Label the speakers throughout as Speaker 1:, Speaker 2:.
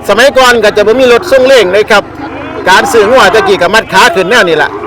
Speaker 1: สมัยก่อนก็จะบ่มีรถส่งเร่งเลยครับการซื้องัวตะกี้ก็มัดขาขึ้นแนวนี่แหละ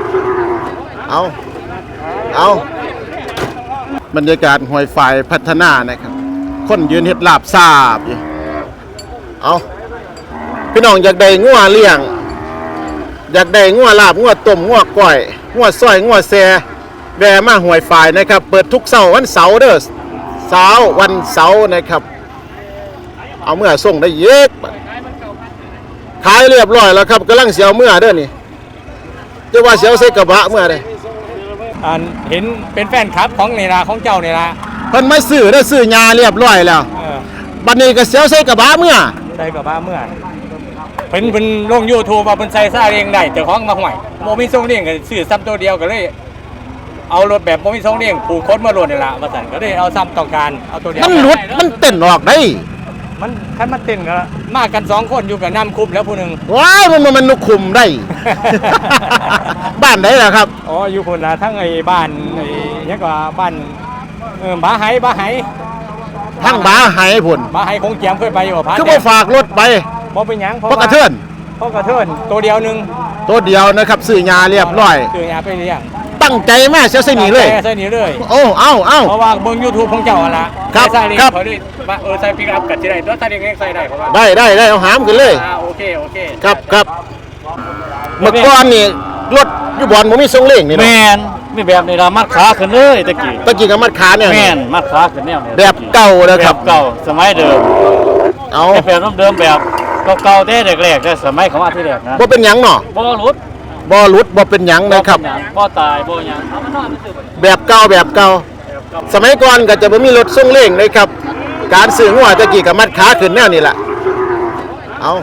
Speaker 1: เอาบรรยากาศห้วยฝ่ายพัฒนานะครับคนยืนเฮ็ดลาบซาบอยู่เอาพี่น้องอยากได้งัวเลี้ยงอยากได้งัวลาบงัวต้มงัวก้อยงัวซอยงัวแซ่แวะมาห้วยฝ่ายนะครับเปิดทุกเสาร์วันเสาร์เด้อวันเสาร์นะครับเอาเมื่อส่งได้เยอะขายเรียบร้อยแล้วครับกำลังเสียวเมื่อเด้อนี่จะว่าเสียวใส่กระบะเมื่อใด
Speaker 2: เห็นเป็นแฟนคลับของนี่ล่ะของเจ้านี่ล่ะ
Speaker 1: เพิ่นมาซื้อได้ซื้อยาเรียบร้อยแล้วบัดนี้ก็เสียวใส่กระบะเมื่อ
Speaker 2: ใส่กระบะเมื่อเพิ่นลง YouTube ว่าเพิ่นใส่ซาเองได้เจ้าของมาห่วยบ่มีทรงเลี้ยงก็ซื้อซ้ำตัวเดียวก็เลยเอารถแบบบ่มีทรงเลี้ยงผูกคดมาโลดนี่ล่ะว่าซั่นก็เลยเอาซ้ำต้องการเอาตัวเดียว
Speaker 1: มันหลุดมันเต้นออกได้
Speaker 2: มันคันมันเต้นก็มากัน2คนอยู่กับน้ำคุบแล้วผู้นึง
Speaker 1: ว้ายมันนุคุมได้ บ้านไหนล่ะครับ
Speaker 2: อ๋ออยู่พุ่นล่ะทั้งไอ้บ้านไอ้หยังก็บ้านบาไห
Speaker 1: ทั้งบาไหพุ่น
Speaker 2: บาไหคงเจียมเคยไปอยู่พา
Speaker 1: คือบ่ฝากรถไป
Speaker 2: บ่เป็นหยัง
Speaker 1: เพราะกระเทือน
Speaker 2: ตัวเดียวนึง
Speaker 1: ตัวเดียวนะครับซื้อยาเรียบร้อย
Speaker 2: ซื้อยาไปเลี้ยง
Speaker 1: ตั้งใจแม่เสียใส่หนีเลย
Speaker 2: ใส่หนีเลย
Speaker 1: โอ้เอา
Speaker 2: เพราะว่าเบิ่ง YouTube ของเจ้าล่ะ
Speaker 1: ครับ
Speaker 2: เขาได้ใส่ปิกอัพก็สิได้ตัวใส่เองใส่ได้เพราะว่า
Speaker 1: ได้เอาหามกันเลย
Speaker 2: โอเค
Speaker 1: ครับเมื่อก่อนนี่รถอยู่บ่อนบ่มีทรงเร่งนี่
Speaker 3: แม่นมีแบบนี้ล่ะมัดขาขึ้นเลยตะกี้
Speaker 1: ก็มัดขาเนี่ย
Speaker 3: แม่นมัดขาขึ้นแนว
Speaker 1: แบบเก่านะครับ
Speaker 3: เก่าสมัยเดิม
Speaker 1: เอา
Speaker 3: แบบเดิมแบบเก่าๆแต่แรกๆแต่สมัยของอาที่แรกนะ
Speaker 1: บ่เป็นหยังเนาะ
Speaker 3: บ่หลุด
Speaker 1: บ่เป็นหยังนะครับ
Speaker 3: บ่ตายบ่หยัง
Speaker 1: แบบเก่าสมัยก่อนก็จะบ่มีรถส่งเร่งเลยครับการซื้องัวตะกี้ก็มัดขาขึ้นแนวนี่แหละเอา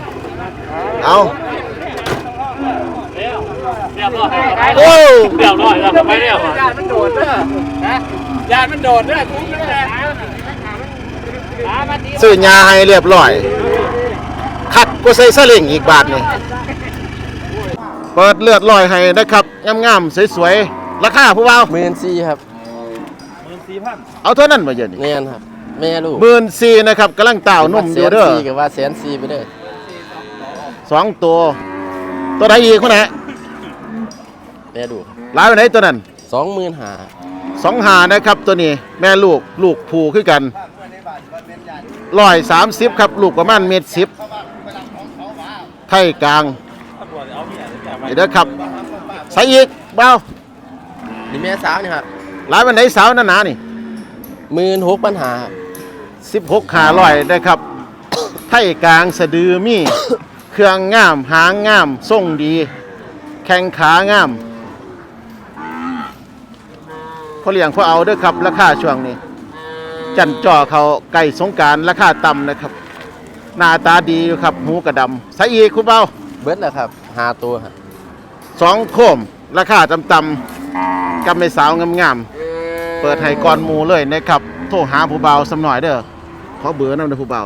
Speaker 1: โอ้
Speaker 3: เรียบร้อยแล้วไม่เรียบ
Speaker 2: ยานมันโดดเด้อนะยานมันโดดเด้อคุ้มนั่นแหละ
Speaker 1: ซื้อยาให้เรียบร้อยคัดก็ใส่ซาเล้งอีกบาทนี่เปิดเลือดลอยให้นะครับงามๆสวยๆราคาผู้บ่าว
Speaker 4: 14,000ครับ
Speaker 1: 14,000เอาเท่านั้นบ่เยอะนี่
Speaker 4: แม่นครับแม่ลูก
Speaker 1: 14,000นะครับกำลังเต้านมอยู่เด้อ
Speaker 4: ก็ว่า140,000ไปเด้อ
Speaker 1: 2ตัวไหนอีกคนไหน
Speaker 4: แม่ลูก
Speaker 1: หลายไปไหนตัวนั้น
Speaker 4: 25,000
Speaker 1: นะครับตัวนี้แม่ลูกผูคือกัน130ครับลูกประมาณ1.10 ไทยกลางนี่เด้อครับใส่อีกเบา
Speaker 4: นี่แม่สาวนี่ครับ
Speaker 1: หลายวันไหนสาวหนาๆนี่
Speaker 4: 16,500
Speaker 1: นะครับ ไทยกลางสะดือมีเครื่องงามหางงามทรงดีแข้งขางามพอเลี้ยงพอเอาเด้อครับราคาช่วงนี้จันจ่อเขาไก่สงการราคาต่ำนะครับหน้าตาดีอยู่ครับหูกระดำใส่อีกคุณเบา
Speaker 4: เบิดแล้วครับ5ตัวครับ
Speaker 1: 2โคมราคาต่ำๆกับในสาวงามๆเปิดให้ก่อนหมู่เลยนะครับโทรหาผู้เบาสำหน่อยเด้อขอเบอร์นำเด้อผู้เบา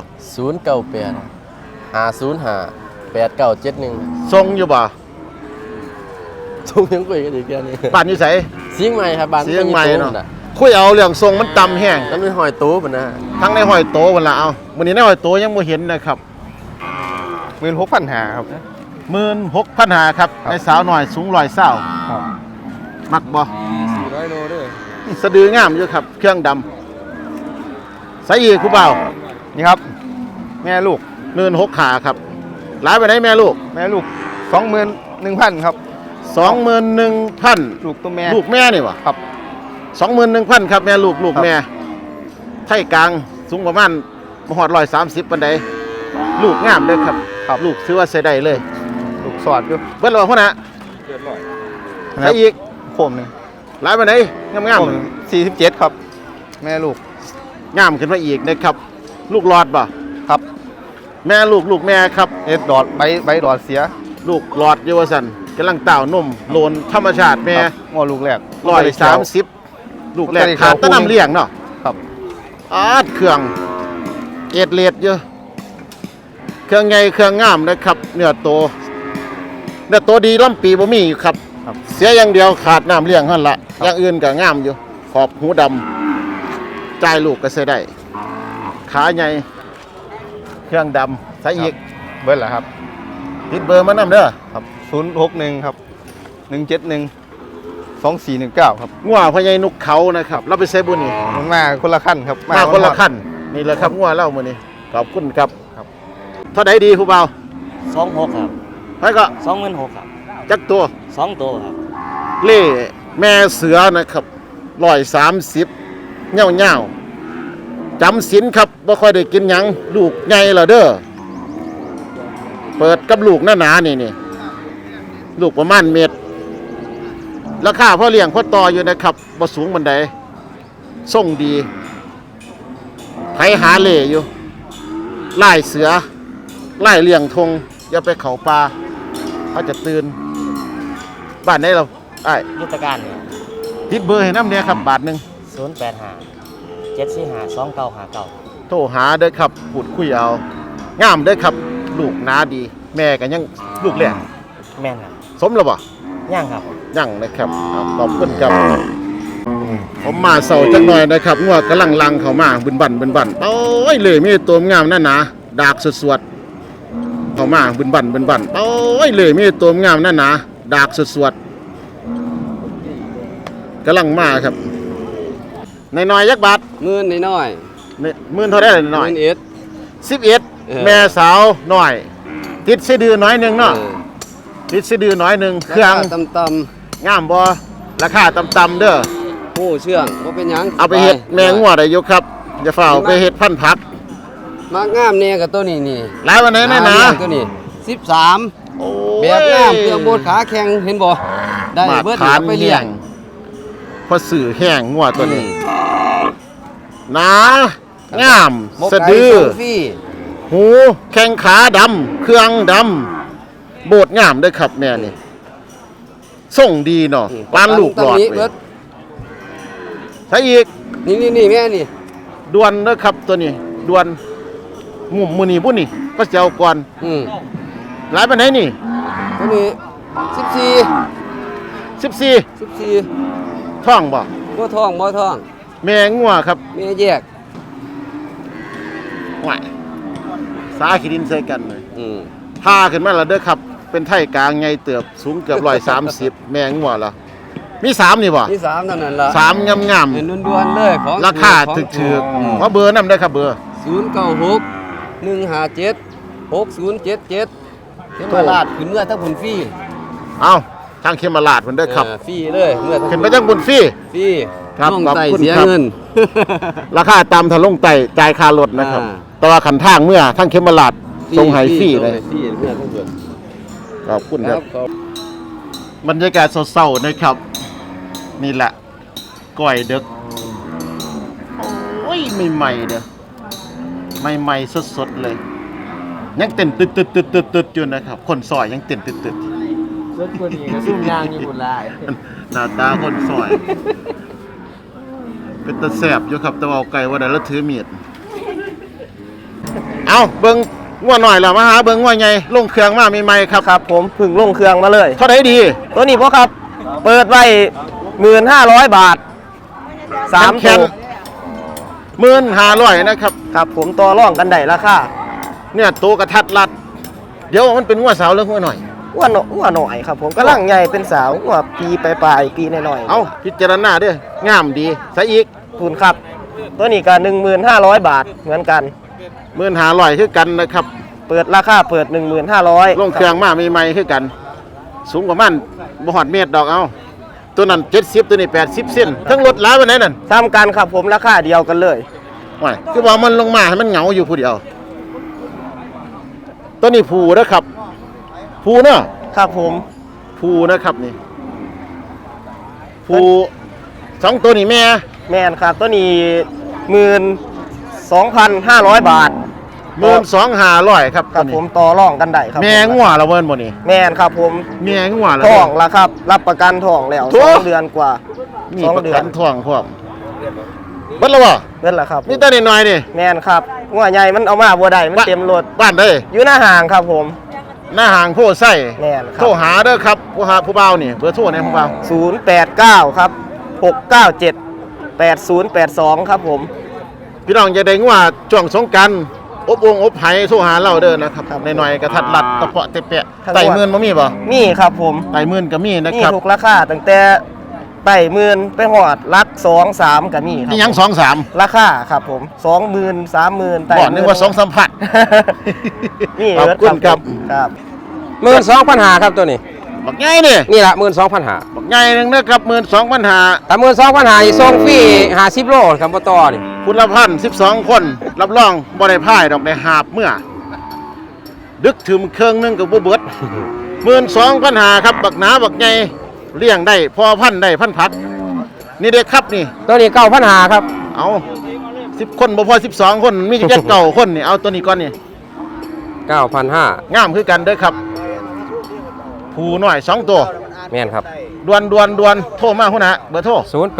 Speaker 4: 098 505 8971
Speaker 1: ทรงอยู่บ่
Speaker 4: ส่งยังคุยกันอีกแค่นี้
Speaker 1: บ้านอยู่ไส
Speaker 4: เชียงใหม่ครับบ้าน
Speaker 1: เชียงใหม่เนาะคุยเอาเรื่องทรงมันต่ำแห้ง
Speaker 4: ทั้งในหอยโตพุ่นนะ
Speaker 1: ทั้งในหอยโตพุ่นละเอามื้อนี้ในหอยโตยังบ่เห็นนะครับ
Speaker 4: 16,500ครับ
Speaker 1: 16,500ครับในสาวหน่อยสูง120ครับมักบ่
Speaker 4: 400โลเด้อ
Speaker 1: สะดืองามอยู่ครับเครื่องดำใส่อีกผู้เบา
Speaker 4: นี่ครับแม่ลูก
Speaker 1: 16,500ครับหลายไปไหนแม่ลูก
Speaker 4: 21,000ครับ
Speaker 1: 21,000
Speaker 4: ลูกตัวแม่
Speaker 1: ลูกแม่นี่วะ
Speaker 4: ครับ
Speaker 1: 21,000ครับแม่ลูกแม่ไทยกลางสูงประมาณบ่ฮอด130ปานใดลูกงามเด้อครับลูกซื้อว่าใส่ได้เลย
Speaker 4: ลูกสอดอยู่
Speaker 1: เบิดแล้วพุ่นน่ะ
Speaker 4: เรียบร้อย
Speaker 1: ใส่อีก
Speaker 4: โคมนึง
Speaker 1: หลายปานใดงาม
Speaker 4: 47ครับแม่ลูก
Speaker 1: งามขึ้นมาอีกนะครับลูกหลอดบ่
Speaker 4: ครับ
Speaker 1: แม่ลูกแม่ครับ
Speaker 4: ดอดใบดอดเสีย
Speaker 1: ลูกหลอดอยู่ว่าซั่นกำลังเต้านมโลนธรรมชาติแม่
Speaker 4: งอลูกแรก
Speaker 1: 130ลูกแรกขาดตะน้ำเลี้ยงเนาะ
Speaker 4: ครับ
Speaker 1: เครื่องเอดเลดเยอะเครื่องใหญ่เครื่องงามนะครับเนื้อโตดีล้ำปีบ่มีอยู่ครับเสียอย่างเดียวขาดน้ำเลี้ยงหั่นละอย่างอื่นก็งามอยู่ขอบหูดำจ่ายลูกก็ใส่ได้ขาใหญ่เครื่องดำใส่อีก
Speaker 4: เบิร์ดเหรอครับ
Speaker 1: ติดเบอร์มานำเด้อ
Speaker 4: ครับ061ครับ171 2419ครับ
Speaker 1: งัวพญายนุกเขานะครับเราไปใส่บุญนี่
Speaker 4: มันมาคนละขั้นครับ
Speaker 1: มาคนละขั้นนี่แหละครับงัวเล่ามื้อนี้ขอบคุณครับเท่าใดดีผู้เบา
Speaker 3: 26ครับ
Speaker 1: ไปก็
Speaker 3: 26,000ครับ
Speaker 1: จักตัว
Speaker 3: 2ตัวครับ
Speaker 1: เล่แม่เสือนะครับ130เง่าๆจำศีลครับบ่ค่อยได้กินหยังลูกใหญ่แล้วเด้อเปิดกับลูกหนาๆนี่ลูกประมาณเม็ดราคาพ่อเลี้ยงพ่อต่ออยู่นะครับบ่สูงบันไดส่งดีไผหาเล่อยู่ไล่เสือไล่เลี้ยงทงอย่าไปเขาป่าเขาจะตื่นบ้านไหนเราไอ้าย
Speaker 3: ยุทธการเนี่ย
Speaker 1: ติดเบอร์ให้น้ำเนี่ยครับบาทหนึ่ง
Speaker 3: 085 745 2959
Speaker 1: โทรหาเด้อครับพูดคุยเอางามเด้อครับลูกหนาดี แม่กันยังลูกแรก
Speaker 3: แม่นครับ
Speaker 1: สมแล้วบ่
Speaker 3: ย่างครับ
Speaker 1: ยังนะครับเอาขอบคุณครับผมมาเสาจักหน่อยนะครับงัวกำลังลังเข้ามาบึนบันโอ้ยเลยมีตัวงามนั่นนะดากสวดๆเข้ามาบึนบันโอ้ยเลยมีตัวงามนั่นนะดากสวดๆกำลังมาครับน้อยๆยักบาท
Speaker 4: มื่นน้อย
Speaker 1: เนี่ยมื่นเท่าได้เลยน้อย
Speaker 4: มื่นเอ็ด
Speaker 1: 11แม่สาวน้อย ติดสะดือน้อยหนึงเนาะติดสะดือน้อยหนึงเครื่อง
Speaker 4: ตำ
Speaker 1: งามบ่ราคาต่ำๆเด้อ
Speaker 4: ๆผู้เชื่องว่าเป็นหยัง
Speaker 1: เอาไปเฮ็ดแมงงัวได้อยู่ครับอย่าฝ่าเอาไปเฮ็ดพันธุ์ผัก
Speaker 4: มากงามเนี่ยกับตัวนี้นี่
Speaker 1: หลายวันไหนแน่นะ
Speaker 4: ตัวนี้13
Speaker 1: โอ้ย
Speaker 4: แบบงามเครื่องโบดขาแข็งเห็นบ่ได้
Speaker 1: มา
Speaker 4: เบิด
Speaker 1: ทาน
Speaker 4: เอาไปเลี้ยง
Speaker 1: พอสื่อแห้งงัวตัวนี้หนางาม
Speaker 4: หมก
Speaker 1: สะ
Speaker 4: ไก่
Speaker 1: ดือ
Speaker 4: ส่งฟรี
Speaker 1: หูแข้งขาดำเครื่องดำโบดงามเด้อครับแม่นี่ส่งดีเนาะปานลูกหลอด
Speaker 4: ตำนี้
Speaker 1: เว้
Speaker 4: เบิ
Speaker 1: ย
Speaker 4: ด
Speaker 1: ใช่อีก
Speaker 4: นี่แม่นี่
Speaker 1: ดวนเด้อครับตัวนี้ดวนมุมมือนี่บุ่นนี่ก็จะเอาก่อน หลายปานไหนนี่
Speaker 4: ตัวนี้
Speaker 1: 14
Speaker 4: 14
Speaker 1: ท่องบ่
Speaker 4: บ่ท้อง
Speaker 1: แม่งัวครับ
Speaker 4: แม่แยก
Speaker 1: ไหวสาขีดินใส่กันเลย
Speaker 4: อืม
Speaker 1: พาขึ้นมาแล้วเด้อครับ เป็นไทกลางไงเติบสูงเกือบ130 แมงงัวแล้วมี3นี่บ่
Speaker 4: ที่3เท่านั้นล่ะ
Speaker 1: 3งาม
Speaker 4: เห็นด่วนๆเลยของ
Speaker 1: ๆราคาถึกๆเพราะเบอร์นำได้อครับเบอร์
Speaker 4: 096 157 6077เข็มมาลาดขึ้นเมื่อทั้งผลฟรี
Speaker 1: เอาทางเขมราชเพิ่นเด้อครับ
Speaker 4: ฟรีเลยเมื่อทั้ง
Speaker 1: ขึ้นไปจังบุญฟรี
Speaker 4: ฟรี
Speaker 1: ครับ
Speaker 4: ลง
Speaker 1: ขอบ
Speaker 4: ไต่
Speaker 1: คุณ
Speaker 4: เสีย
Speaker 1: ครับ
Speaker 4: เงิน
Speaker 1: ราคาตามทะลงไต่จ่ายค่ารถนะครับ
Speaker 4: อ่า
Speaker 1: แต่ว่าขันทางเมื่อทางเขมราชส่งให้ฟรีเลย
Speaker 4: ฟรีเมื่อทั้งหมด
Speaker 1: ขอบคุณ
Speaker 4: ค
Speaker 1: ค
Speaker 4: รั
Speaker 1: รั
Speaker 4: บบ ขอบบ
Speaker 1: รรยากาศเศร้าๆนะครับ นี่แหละก้อยเด็กโอ้ยใหม่ๆเด้อใหม่ๆสดๆเลย ยังเต้นตึดๆๆๆๆอยู่นะครับ คนซอยยังเต้นตึด
Speaker 3: รถคนนี้ก็ซุ่มยางญี่ปุ่นหลาย
Speaker 1: ๆหน้าตาคนซอย เป็นตะแสบอยู่ครับแต่ว่าเอาไก่ว่าได้แล้วถือมีดเอาเบิ่งงัวหน่อยล่ะมาหาเบิ่งงัวใหญ่ลงเครื่องมาใหม่ๆครับ
Speaker 5: ครับผมเพึ่งลงเครื่องมาเลย
Speaker 1: เท่าไหร่ดี
Speaker 5: ตัวนี้พ่อครับ เปิดไว้1,500 บาท3
Speaker 1: แข
Speaker 5: ตั
Speaker 1: น
Speaker 5: ว
Speaker 1: 1,500นะครับ
Speaker 5: ครับผมต่อร่องกันได้ราคา
Speaker 1: เนี่ยโตกระทัดรัด เดี๋ยวมันเป็นงัวสาวหรืองัวหน่อย
Speaker 5: อ้วนหน่อยครับผมกำลังใหญ่เป็นสาวหัวปีปลายๆปีน้อยๆ
Speaker 1: เอาพิจารณาเด้องามดีใส่อีก
Speaker 5: ทุนครับ ตัวนี้ก็1,500 บาทเหมือนกัน
Speaker 1: 1,500คือกันนะครับ
Speaker 5: เปิดราคาเปิด 1,500
Speaker 1: ลงเครื่องมาใหม่ๆคือกัน สูงประมาณบ่ฮอดเมตรดอกเอาตัวนั้น70ตัวนี้80เซนทั้งรถหลายปานไหนนั่น
Speaker 5: ซ้ำกันครับผมราคาเดียวกันเลย
Speaker 1: ว่าคือว่ามันลงมาให้มันเหงาอยู่ผู้เดียวตัวนี้ผูนะครับผูเนาะ
Speaker 5: ครับผม
Speaker 1: ผูนะครับนี่ผูสองตัวนี่แม่
Speaker 5: แมนครับตัวนี้12,500 บาท
Speaker 1: 12,500ครับ
Speaker 5: ครับผมต่อร่องกันได้ครับ
Speaker 1: แม่งัวละเวินบ่นี่
Speaker 5: แมนครับผม
Speaker 1: แม่งัวละ
Speaker 5: ท้องแล้วครับ รับประกันท้องแล้ว
Speaker 1: โถ่
Speaker 5: 2 เดือนกว่า
Speaker 1: มี
Speaker 5: 2
Speaker 1: ประ
Speaker 5: เดือ
Speaker 1: กัน นท้องพร้อมเบิดแล้วบ่
Speaker 5: เงินละครับ
Speaker 1: มีแต่น้อยๆนี่
Speaker 5: แมนครับงัวใหญ่มันเอามาบ่ได้มันเต็มรถ
Speaker 1: บ้านได้
Speaker 5: อยู่หน้าห่างครับผม
Speaker 1: หน้าห่างโพไส้
Speaker 5: แม่นครับ
Speaker 1: โทรหาเด้อครับผู้บ่าวนี่เบอร์โทรเนี่ยผู้บ่าว
Speaker 5: 089 ครับ 697 8082 ครับผม
Speaker 1: พี่น้องจะได้งัวช่วงสงกรานต์อบวงอบไผ่โทรหาเราเด้อนะครับหน่อยๆกระทัดรัดตะเปาะเตะแปะไต่หมื่นบ่มีบ่
Speaker 5: มีครับผม
Speaker 1: ไต่หมื่นก็มีนะ
Speaker 5: มี
Speaker 1: ครับ
Speaker 5: ทุกราคาตั้งแต่ไต่หมื่นไปหอดลัก2-3ก็มีครับ
Speaker 1: นี่ยัง2-3
Speaker 5: ราคาครับผม20,000 30,000
Speaker 1: บ่นึกว่า2-3พัน
Speaker 5: นี่
Speaker 1: ขอบคุณครับ
Speaker 5: ครับ
Speaker 4: 12,500ครับตัวนี้
Speaker 1: บักใหญ่นี่
Speaker 4: นี่ละ12,500
Speaker 1: บักใหญ่นึงนะครับ12,500
Speaker 4: ถ้า12,500อีกส่งฟรี50โลครับบ่ต่อนี่
Speaker 1: คุณละพัน12 คนรับรองบ่ได้พ่ายดอกได้หาบเมื่อ ดึกถึงเครื่องนึงก็บ่เบิด 12,500ครับบักหนาบักใหญ่เลี้ยงได้พอพันได้พันผัก นี่เด็กครับนี่
Speaker 4: ตัวนี้9,500ครับ
Speaker 1: เอา10 คนบ่พอ12 คนมีแค่เก่าคนนี่เอาตัวนี้ก่อนนี่
Speaker 4: 9,500
Speaker 1: งามคือกันเด้อครับผู้น้อย2ตัว
Speaker 4: แม่นครับ
Speaker 1: ดวนโทรมาพุ่นนะเบอร์โทร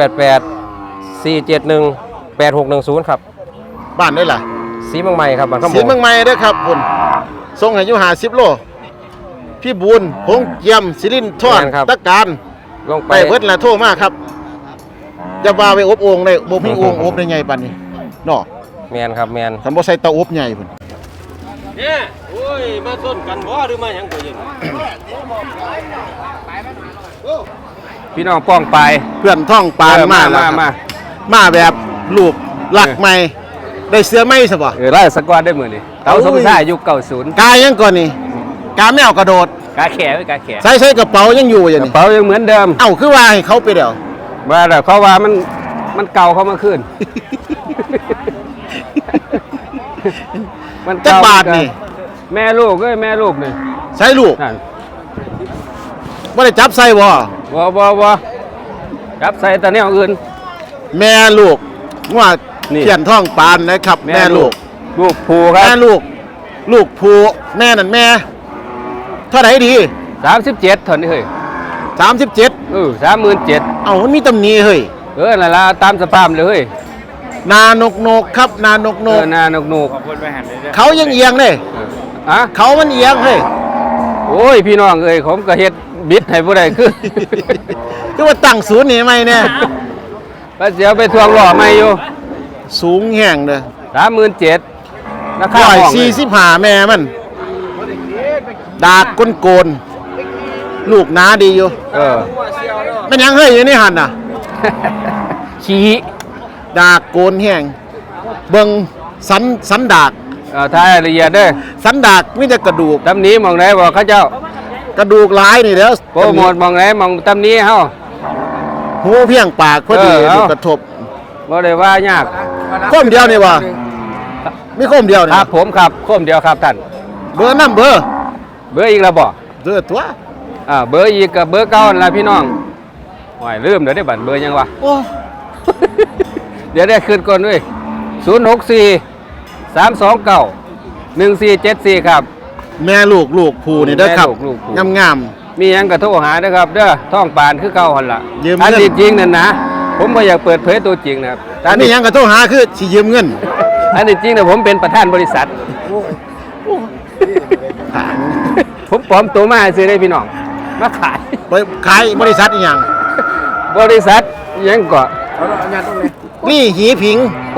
Speaker 4: 088 471 8610ครับ
Speaker 1: บ้านได้ล่ะ
Speaker 4: สีเมืองใหม่ครับบ้านคำ
Speaker 1: สีเมืองใหม่เด้อครับพุ่นส่งให้อยู่50 โลพี่บุญพงเยี่ยมศิรินทร์ทอดตะการ
Speaker 4: ลงไป
Speaker 1: ไปเบิดละโทรมาครับจะว่าไปอบโอ่งได้บ่มีโอ่งอบได้ใหญ่ปานนี้เนาะ
Speaker 4: แม่นครับแม่น
Speaker 1: คันบ่ใส่เตาอบใหญ่พุ่น
Speaker 3: เนี่ยโอ้ยมาส้นกันบ่หรือมาหยังก็ยิน
Speaker 4: พี่น้องป้องไป
Speaker 1: เพื่อนท่องปานมาแล้วครับมาแบบลูกหลักใหม่ได้เสื้อไหมซะบ่
Speaker 4: ไล่สกอตได้มื้อนี้เตาสมชายยุค90
Speaker 1: กายยังก่อนนี่กาแมวกระโดด
Speaker 4: กาแขไว้กาแข
Speaker 1: ใส่กระเป๋ายังอยู่อย่าง
Speaker 4: กระ
Speaker 1: นี้
Speaker 4: เป๋ายังเหมือนเดิม
Speaker 1: เอ้าคือว่าให้เขาไปเดี๋ยว
Speaker 4: ว่าแล้วเขาว่ามันเก่าเข้ามาขึ้น มัน
Speaker 1: จัก
Speaker 4: เก่า
Speaker 1: บาทนี่
Speaker 4: แม่ลูกเอ้ยแม่ลูกนี่
Speaker 1: ใส่ลูก
Speaker 4: นั่น
Speaker 1: บ่ได้จับใส่บ่
Speaker 4: บ่ครับใส่แต่แนวอื่น
Speaker 1: แม่ลูกว่า
Speaker 4: นี่
Speaker 1: เขียนท่องปานนะครับ แม่ลูก
Speaker 4: ลูกผูครั
Speaker 1: แม่
Speaker 4: บ
Speaker 1: ลูกผู้แม่นั่นแม่เท่าไหร่ดี
Speaker 4: 37เท่านี้เฮ้ย
Speaker 1: 37
Speaker 4: 37,000
Speaker 1: เอ้ามันมีตำหนิเฮ้ย
Speaker 4: นั่นล่ะตามสภาพเลยเฮ้ย
Speaker 1: นานกครับนานก
Speaker 4: นานก
Speaker 1: เขายังเอียงเลย
Speaker 4: อะ
Speaker 1: เขามันเอียงเฮ้ย
Speaker 4: โอ้ยพี่น้องเอ้ยผมก็เฮ็ดบิดให้ผู้ใดคือ
Speaker 1: คือว่าตั้งศูนย์นี่ไหมเนี่ย
Speaker 4: ก็เสียไปทวงหล่อใหม่อยู่
Speaker 1: สูงแห้งเด้อ
Speaker 4: 37,000ราคาห้องเลย
Speaker 1: 145แม่มัน ดากโกนลูกหนาดีอยู่ มันยังเฮ้ยอยู่ในหันน่ะ
Speaker 4: ขี้
Speaker 1: ดากโกนแห้งเบิ่งสันดาก
Speaker 4: ทายละเอียดเด้อ
Speaker 1: สันดากมีแต่กระดูก
Speaker 4: ตำนี้มองไหนบอกเขาเจ้าก
Speaker 1: ระดูกหลายนี่เด้อ
Speaker 4: โปรโมทมองไหนมองตำนี้เฮา
Speaker 1: หูเพียงปากพอดี
Speaker 4: เอา
Speaker 1: กระทบ
Speaker 4: บ่ได้ว่ายาก
Speaker 1: ข้มเดียวนี่วะมีข้มเดียวนี่
Speaker 4: ครับผมครับโคมเดียวครับท่าน
Speaker 1: เบอร์น้ำเบอร์
Speaker 4: เบอร์อีกแล้วบ่
Speaker 1: เบอร์ตัว
Speaker 4: เบอร์อีกกับเบอร์เก่านั่นล่ะพี่น้องโอ้ยลืมเดี๋ยวได้บัตรเบอร์ยังวะ
Speaker 1: โอ้
Speaker 4: เดี๋ยวได้คืนก่อนด้วย064 329 1474ครับ
Speaker 1: แม่ลูกผู้นี่เด้อครับ
Speaker 4: แม่ลูกผู้
Speaker 1: งาม
Speaker 4: มีหยังก็โทรหาเด้อครับเด้อท้องปานคือเก่าหั่นล่ะ
Speaker 1: ยืมเงิน
Speaker 4: อันที่จริงนั่นนะผมบ่อยากเปิดเผยตัวจริงนะครับ
Speaker 1: ๆอันนี้ยังกระโทรหาคือสิยืมเงิน
Speaker 4: อันที่จริงน่ะผมเป็นประธานบริษัท ผมปลอมตัวมาให้ซื้อได้พี่น้องมาขาย
Speaker 1: ไปขายบริษัทอีหยัง
Speaker 4: บริษัทหยังก็
Speaker 1: นี่หีผิง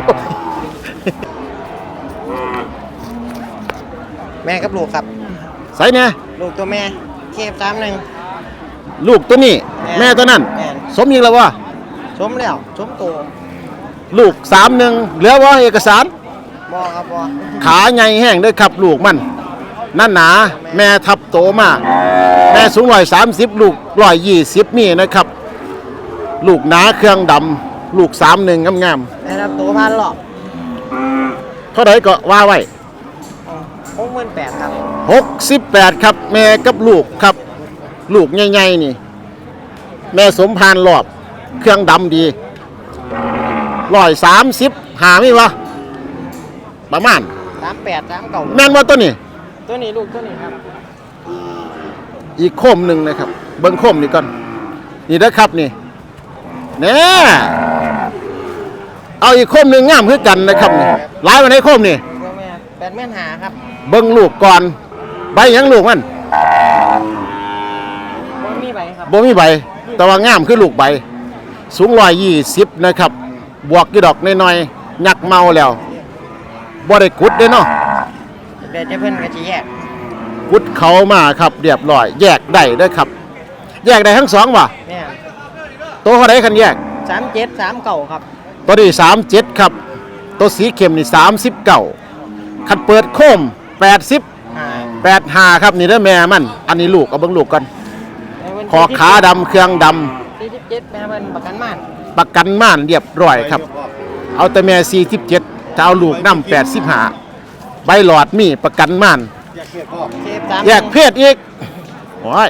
Speaker 5: แม่กับลูกครับ
Speaker 1: ใส่เนี่ย
Speaker 5: ลูกตัวแม่เคฟ31
Speaker 1: ลูกตัวนี้ แม่ตัวนั้น
Speaker 5: แม่
Speaker 1: สมยิงแล้ววะ
Speaker 5: ชมแล้วชมตัว
Speaker 1: ลูก31เหลือว่าเอกสาร
Speaker 5: บ่ครับบ่
Speaker 1: ขาใหญ่แห้งเด้อครับลูกมันนั่นหนาแม่ทับโตมาแม่สูง130ลูก120มีนะครับ ลูกหนาเครื่องดำลูก31งาม
Speaker 5: แม่รับตัวพันหรอก
Speaker 1: ๆเท่าไหร่ก็ว่าไว้
Speaker 5: 68,000ครับ
Speaker 1: 68ครับแม่กับลูกครับ ลูกใหญ่ๆนี่ แม่สมพานรอบ เครื่องดำดี130หาไม่วะประมาณ
Speaker 5: 38 39
Speaker 1: แม่นว่าตัวนี้
Speaker 5: ตัวนี้ลูกตัวนี้ครับ
Speaker 1: อีกโคมหนึ่งนะครับ เบิ้งโคมนี่ก่อนนี่นะครับนี่แน่เอาอีกโคมหนึ่งงามคือกันนะครับนี่หลายวันในโคมนี่
Speaker 5: ตัวแม่85,000ครับ
Speaker 1: เบิ้งลูกก่อนใบหยังลูกมัน
Speaker 5: บ่มีใบครับ
Speaker 1: บ่มีใบแต่ว่างามคือลูกใบ สูง120นะครับ บวกกี่ดอกน้อยๆยักเมาแล้วบ่ได้กุดเด้เนาะ
Speaker 5: คเดี๋ยวจะเพิ่นก็จะแยก
Speaker 1: กุดเขามาครับเรียบร้อยแยกได้เด้อครับ แยกได้ทั้งสองว่ะ
Speaker 5: แม่น
Speaker 1: ตัวเขาได้คันแยก
Speaker 5: 37 39ครับ
Speaker 1: ตัวนี้37ครับตัวสีเข้มนี่39คันเปิดโคม85ครับนี่เด้อแม่มันอันนี้ลูกเอาเบิ่งลูกก่อนคอขาดำเครื่องดำ
Speaker 5: 47แม่เพิ่นประกันม่าน
Speaker 1: ประกันม่านเรียบร้อยครับ เอาแต่แม่47จะเอาลูกนำ85ใบหลอดมีประกันม่าน
Speaker 5: 43
Speaker 1: แยกเพศอีกโอ้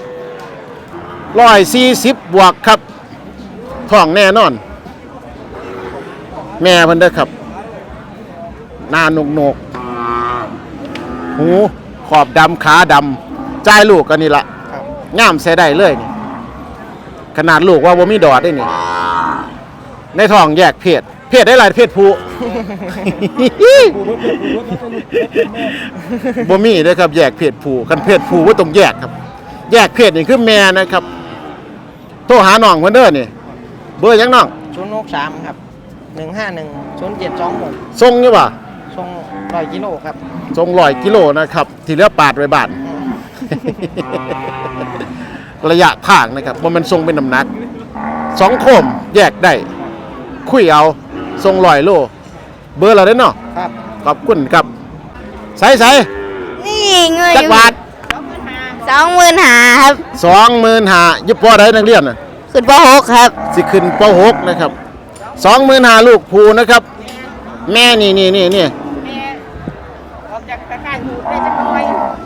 Speaker 1: ย140บวกครับท้องแน่นอน แม่เพิ่นเด้อครับหน้าหนกๆหูขอบดำขาดำจ่ายลูกกันนี่ละงามใส่ได้เลยนี่ขนาดลูกว่าบ่มีดอดได้นี่ในท้องแยกเพศได้หลายเพศผู้ บ่มีเด้อครับแยกเพศผู้คันเพศผู้ว่าต้องแยกครับ แยกเพศนี่คือแม่นะครับโทรหาน้องเพิ่นเด้อนี่เบอร์หยังน้อง
Speaker 5: 063ครับ151 0726
Speaker 1: ส่งอยู่บ่
Speaker 5: ส่ง100กิโลครับ
Speaker 1: ส่ง100กิโลนะครับ ที่เหลือปาดไว้บ้าน ระยะทางนะครับบ่แมันส่งเป็นน้ำหนัก2โคมแยกได้ คุยเอาส่ง100โลเบอร์เราได้เนาะ
Speaker 5: ครับ
Speaker 1: ขอบคุณครับใส่
Speaker 6: นี่เงย
Speaker 1: จักบาท
Speaker 6: 25,000ครับ
Speaker 1: 25,000ยุบพอได้นักเรียนน่ะ
Speaker 6: ขึ้นป .6 ครับ
Speaker 1: สิขึ้นป .6 นะครับ25,000ลูกภูนะครับ แม่นี่
Speaker 5: ออกจากตะข่ายหูได้จักหน่อย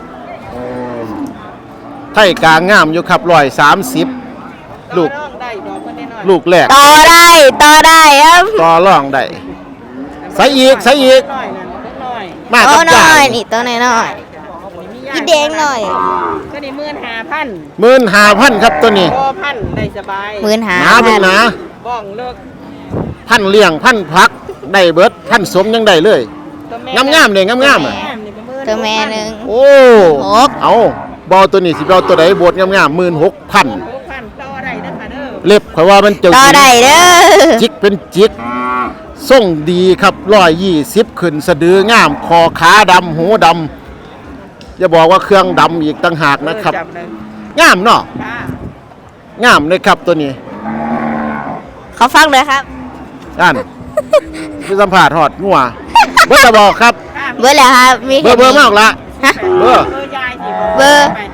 Speaker 1: ไทยกลางงามอยู่ครับ130ลูก
Speaker 5: ได้ดอกก็ได้น้อย
Speaker 1: ลูกแรก
Speaker 6: ต่อได้ครับ
Speaker 1: ต่อรองได้ใส่อีก
Speaker 5: น้อยนั่นเล็กน้อย
Speaker 1: มา
Speaker 6: โต
Speaker 1: กับ
Speaker 6: น้
Speaker 1: จ่า
Speaker 6: อย
Speaker 1: ย
Speaker 6: นี่ตัวน้อยอีแดงหน่อย
Speaker 5: ก็ได้15,000
Speaker 1: 15,000ครับตัวนี้
Speaker 5: พอพันได้สบาย
Speaker 1: หนาเป็นหนา
Speaker 5: บ้องเลิก
Speaker 1: พันเลี้ยงพันพักได้เบิดพันสมยังได้เลย
Speaker 5: ตัวแม่
Speaker 1: งามๆเลยงามๆอ่ะ
Speaker 5: นี่เป็น
Speaker 6: ตัวแม่หนึ่ง
Speaker 1: โอ้
Speaker 6: หก
Speaker 1: เอาบอตัวนี้สิบเอาตัวไหนบดงามๆ16,000
Speaker 5: 6,000ต่อได้เด้อค่ะเด้อ
Speaker 1: เล็บข่อยว่ามันเจ้า
Speaker 6: ต่อได้เด้อ
Speaker 1: จิกเป็นจิกส่งดีครับ120ขึ้นสะดืองามคอขาดำหูดำอย่าบอกว่าเครื่องดำอีกต่างหากนะครับ
Speaker 5: จับเลย
Speaker 1: งามเนาะ
Speaker 5: ค่ะ
Speaker 1: งามเลยครับตัวนี้
Speaker 6: เขาฟังเลยครับ
Speaker 1: นั่น คือสัมผัสหอดงัวเบอร์จะบอกครับ
Speaker 6: เบอร์แล้วครับมี
Speaker 1: เบอร์มากละ
Speaker 6: ฮะ
Speaker 1: เบอร์
Speaker 5: เบอร์ยายสิ
Speaker 6: เบอร์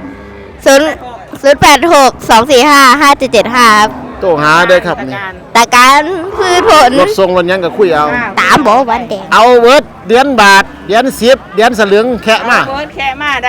Speaker 6: 086-245-5775ครับ
Speaker 1: โตหาเด้อครับนี่
Speaker 6: ตาการพืชผล
Speaker 1: รถทรงรถยังก็คุยเอา
Speaker 6: ตามบอกวันแดง
Speaker 1: เอาเวิร์ดเดือนบาทเดือน10เดือนสลึงแคะมา
Speaker 5: เบิร์ดแค่มาได้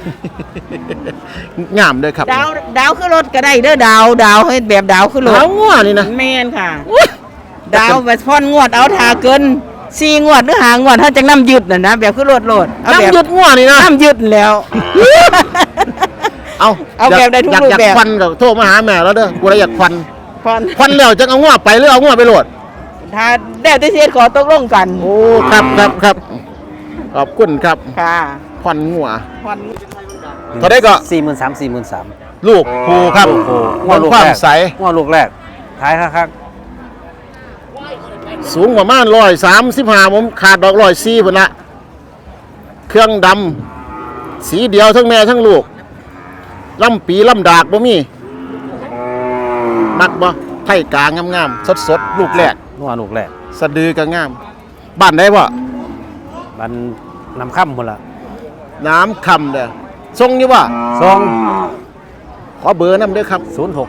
Speaker 1: งามเด้อครับ
Speaker 5: ดาวขึ้นรถก็ได้เด้อดาวให้แบบดาวขึ้นรถ
Speaker 1: เอางัวนี่นะ
Speaker 5: แม่นค่ะ ดาวแบบพ่อนงวดเอาทาเกิน4งวดหรือ5งวดถ้าจังน้ำยึดน่ะนะแบบขึ้นรถโลดเอาแบบ
Speaker 1: น้ำหยุดงัวนี่นะ
Speaker 5: น้ำยึดแล้ว
Speaker 1: เอา
Speaker 5: เอาแบบได้ทุกรูปแบบ
Speaker 1: อยากควันก็โทรมาหาแม่แล้วเด้อกูเลยอยากควัน
Speaker 5: พอน
Speaker 1: ควันแล้วจะเอางัวไปหรือเอางัวไปโหลด
Speaker 5: ถ้าได้ที่เสียขอตกลงกัน
Speaker 1: โอ้ครับขอบคุณครับ
Speaker 5: ค่ะ
Speaker 1: ควันงัว
Speaker 5: พอน
Speaker 1: เท่าได้ก็
Speaker 3: 43,000
Speaker 1: ลูกภูครับ
Speaker 3: โอ้โห
Speaker 1: ควันความใส
Speaker 3: งัวลูกแรกท้ายคัก
Speaker 1: สูงประมาณ135ผมขาดดอก104พุ่นละเครื่องดำสีเดียวทั้งแม่ทั้งลูกลำปีลำดากบ่มีมักบ่ไทยกลางงามๆสดๆลูกแรก
Speaker 3: ๆงัวลูกแรก
Speaker 1: สะดือก็งาม บ้านได้บ่
Speaker 3: มันนำค่ำพุ่นละ
Speaker 1: น้ำคำเด้อทรงนี่บ่
Speaker 3: ซอง
Speaker 1: ขอเบอร์นำเด้อครับ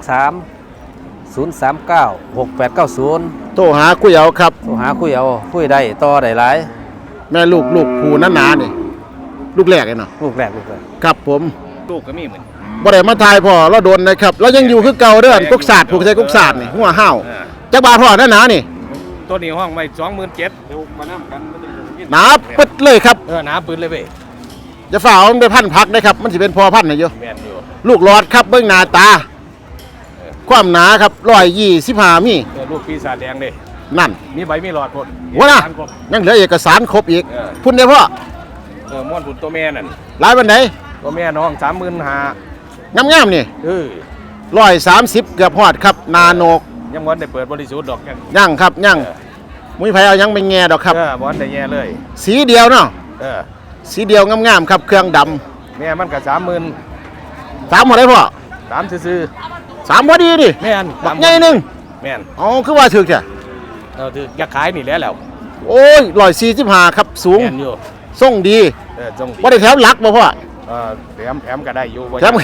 Speaker 3: 063-039-6890
Speaker 1: โทรหาคุยเอาครับ
Speaker 3: โทรหาคุยเอาคุยได้ต่อได้หลาย
Speaker 1: แม่ลูกภูหนาๆนี่ลูกแรกเลยเนาะ
Speaker 3: ลูกแรก
Speaker 1: ครับผม
Speaker 2: ลูกก็มีเหมือน
Speaker 1: บ่ได้มาทายพ่อเราโดนนะครับเรายังอยู่คือเก่าเด้อกุกศาสตร์ผูกใจกุกศาสตร์นี่หัวห้าวจักบาทพ่อหนาๆนี่
Speaker 2: ตัวนี้ห้องไว้27,000
Speaker 1: หนาปึ๊ดเลยครับ
Speaker 2: หนาปืนเลยเว้ย
Speaker 1: จะฝ่าเอามันไปพันพักนะครับ มันสิเป็นพอพันธุ์น่ะอยู่
Speaker 2: แม่นอยู่
Speaker 1: ลูกหลอดครับเบิ่งหน้าตา ความหนาครับ125มี
Speaker 2: ลูกปีศาจแดงเด้
Speaker 1: นั่น
Speaker 2: มีใบมีหลอดพ่น
Speaker 1: ว่าน่ะ
Speaker 2: ทางครบ
Speaker 1: ยังเหลือเอกสารครบอีก พุ่นได้พ่อ
Speaker 2: ม่วนผุนตัวแม่นั่น
Speaker 1: หลายบันได
Speaker 2: ตัวแม่น้อง35,000
Speaker 1: งามๆนี่ 130เกือบฮอดครับนาโนก
Speaker 2: ยังบ่ได้เปิดบริสุทธิ์ดอกยัง
Speaker 1: ยังครับยังมุ้ยไผเอายังไปแง่ดอกครับ
Speaker 2: บ่ได้แย่เลย
Speaker 1: สีเดียวเนาะ
Speaker 2: เออ
Speaker 1: สีเดียวงามๆครับเครื่องด
Speaker 4: แม่มันก็30,000
Speaker 1: ำ3หมดได้พ่อ
Speaker 4: 3ซื่อ
Speaker 1: 3พอดีดิ
Speaker 4: ๆแม่น
Speaker 1: บักใหญ่หนึง
Speaker 4: แม่น
Speaker 1: อ๋อคือว่าถึกแท้
Speaker 4: ถืออยากขายนี่แหล้ว
Speaker 1: โอ้ย145ครับสูง
Speaker 4: แม่นอยู่
Speaker 1: ทรงดี
Speaker 4: จง
Speaker 1: บ่ได้แถมหลักบ่พ่อ
Speaker 4: แถมก็ได้อยู่บ่
Speaker 1: แถม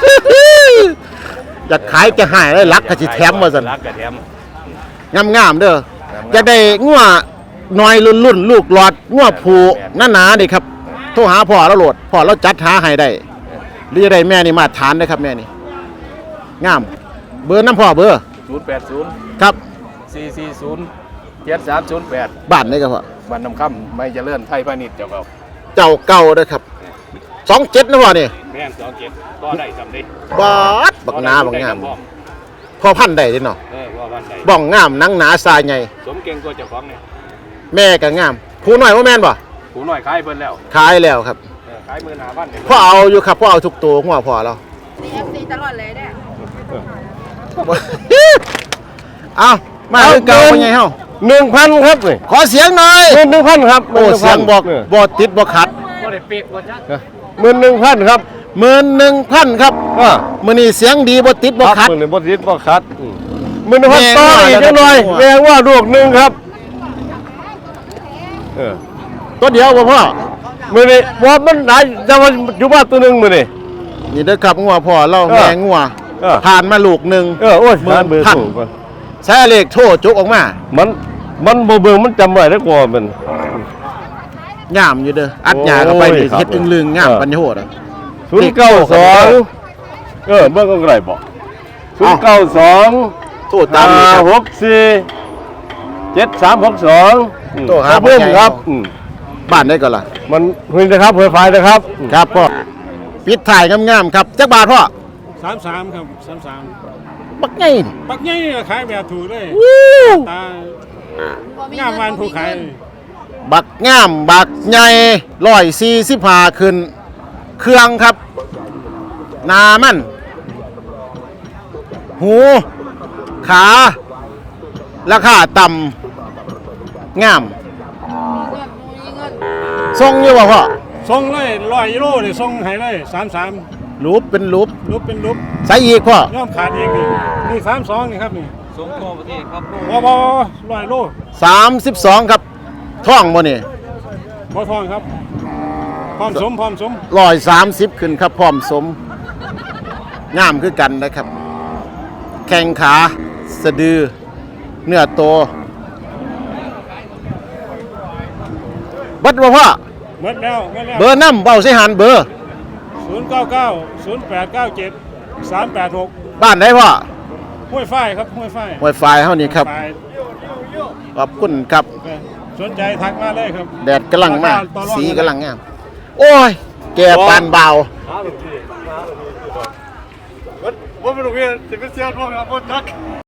Speaker 1: อยากขายจะหายได้หลักก็สิแถมว่าซั่น
Speaker 4: รักก็แถม
Speaker 1: งามๆเด้อจะได้งัวน้อยรุ่นๆลูกหลอดงัวผูหนาๆนี่ครับโทรหาพ่อแล้วโหลดพ่อเราจัดหาให้ได้หรือจะได้แม่นี่มาตรฐานได้ครับแม่นี่งามเบอร์น้ำพ่อเบอร์
Speaker 4: 080
Speaker 1: ครับ
Speaker 4: 440 7308
Speaker 1: บ้านได้ครับพ่อ
Speaker 4: บ้านน้ำค่ำไม่เจริญไทยพาณิชย์เจ้าครับ
Speaker 1: เจ้าเก่าเด้อครับ27นะพ่อนี่
Speaker 4: แม่น27ก็ได้สำเร็จ
Speaker 1: บาดบักหนาบักงามพ่อพันธุ์ได้เด้เนาะ
Speaker 4: ว่าวันใด
Speaker 1: บ้องงามหนังหนาทรายใหญ่
Speaker 4: สมเก่งกว่าเจ้าของเนี่ย
Speaker 1: แม่ก็งามผู้น้อยว่าแม่นบ่
Speaker 4: หูหน่อยขายเพิ่นแล้ว
Speaker 1: ขายแล้วครับ
Speaker 4: ขาย15,000เนี่ย
Speaker 1: พ่อเอาอยู่ครับพ่อเอาทุกตัวหัวพ่อเรา
Speaker 5: CFC ตลอดเลยเนี่ย
Speaker 1: เอามาคือเก่าเป็นไงเฮา
Speaker 3: 1,000ครับนี่
Speaker 1: ขอเสียงหน่อย
Speaker 3: 1,000ครับ
Speaker 1: โอ้เสียงบอกบ่ติดบ่ขัด
Speaker 4: บ่ได้ปีกบ่จัก
Speaker 3: 11,000ครับ
Speaker 1: 11,000ครับมื้อนี้เสียงดีบ่ติดบ่ขัด
Speaker 3: มื้อนี้บ่ติดบ่ขัด11,000ต่ออีกจังหน่อยแม่ว่าลูกหนึงครับ
Speaker 1: ตัวเดียวบ่พ่อ
Speaker 3: มื้อนี้บ่มันหลายจะว่าอยู่บ้านตัวหนึงมื้อนี้
Speaker 1: นี่เด้อครับงัวพ่อเรา
Speaker 3: เออ
Speaker 1: แม่งัว ผ่านมาลูกหนึง
Speaker 3: โอ้ย
Speaker 1: หมื่น
Speaker 3: เบอร์
Speaker 1: พัน
Speaker 3: ถูกก่อน
Speaker 1: ใช้เลขโทรจุกออกมา
Speaker 3: มันบ่เบิ่งมันจำไว้ได้กว่ามัน
Speaker 1: งามอยู่เด้ออัดหญ้าเข้าไปนี่
Speaker 3: โอ้ยครับ
Speaker 1: เฮ็ดอึงลึงงามปัญญาโหดอะ
Speaker 3: 092เบิ่งก็ได้บ่092
Speaker 1: โทรตามนี้ครับ
Speaker 3: 564 7362
Speaker 1: โทรหา
Speaker 3: เพิ่มครับ
Speaker 1: บ้านได้ก่อนล่ะ
Speaker 3: มันคุยนะครับเพื่อไฟนะครับ
Speaker 1: ครับพ่อปิดถ่ายงามๆครับจักบาทพ่อ
Speaker 7: 33ครับ33
Speaker 1: บักไง
Speaker 7: ปักใหญ่นี่ขายแบบถูกเลยตางามวันผู้ขาย
Speaker 1: บักงามบักใหญ่145ขึ้น เครื่องครับหนามันหูขาราคาต่ำงามทรงอยู่บ่พ่อ
Speaker 7: ส่งเลย100 กิโลนี่ส่งให้เลย33
Speaker 1: รูปเป็นรูป
Speaker 7: รูปเป็นรูป
Speaker 1: ใส่อีกพ่อย่
Speaker 7: อมขาดเองนี่32นี่ครับนี่
Speaker 4: ส่งทั่วประเทศครับ
Speaker 7: บ่100 โล
Speaker 1: 32ครับท่องบ่นี่
Speaker 7: บ่ทองครับพร้อมสม
Speaker 1: 130ขึ้นครับพร้อมสมงามคือกันนะครับ แข้งขาสะดือเนื้อโตบัดบ่พ่อ
Speaker 7: หมดแล้ว
Speaker 1: เบอร์น้ำเบาใส่หันเบอร์
Speaker 7: 099 0897 386
Speaker 1: บ้านได้พ่อ
Speaker 7: ห้วยฝ้ายครับห้วยฝ้าย
Speaker 1: Wi-Fi เฮานี่ครับ
Speaker 7: ฝ้าย
Speaker 1: ขอบคุณครับ
Speaker 7: สนใจทักมาเลยครับ
Speaker 1: แดดกำลังมาก
Speaker 7: ต่อรอง
Speaker 1: สีกำลังงาม โอ้ย แกปานเบา
Speaker 7: ว่าเป็นโรงเรียนสิเป็นเสียนพวกเราพวกนัก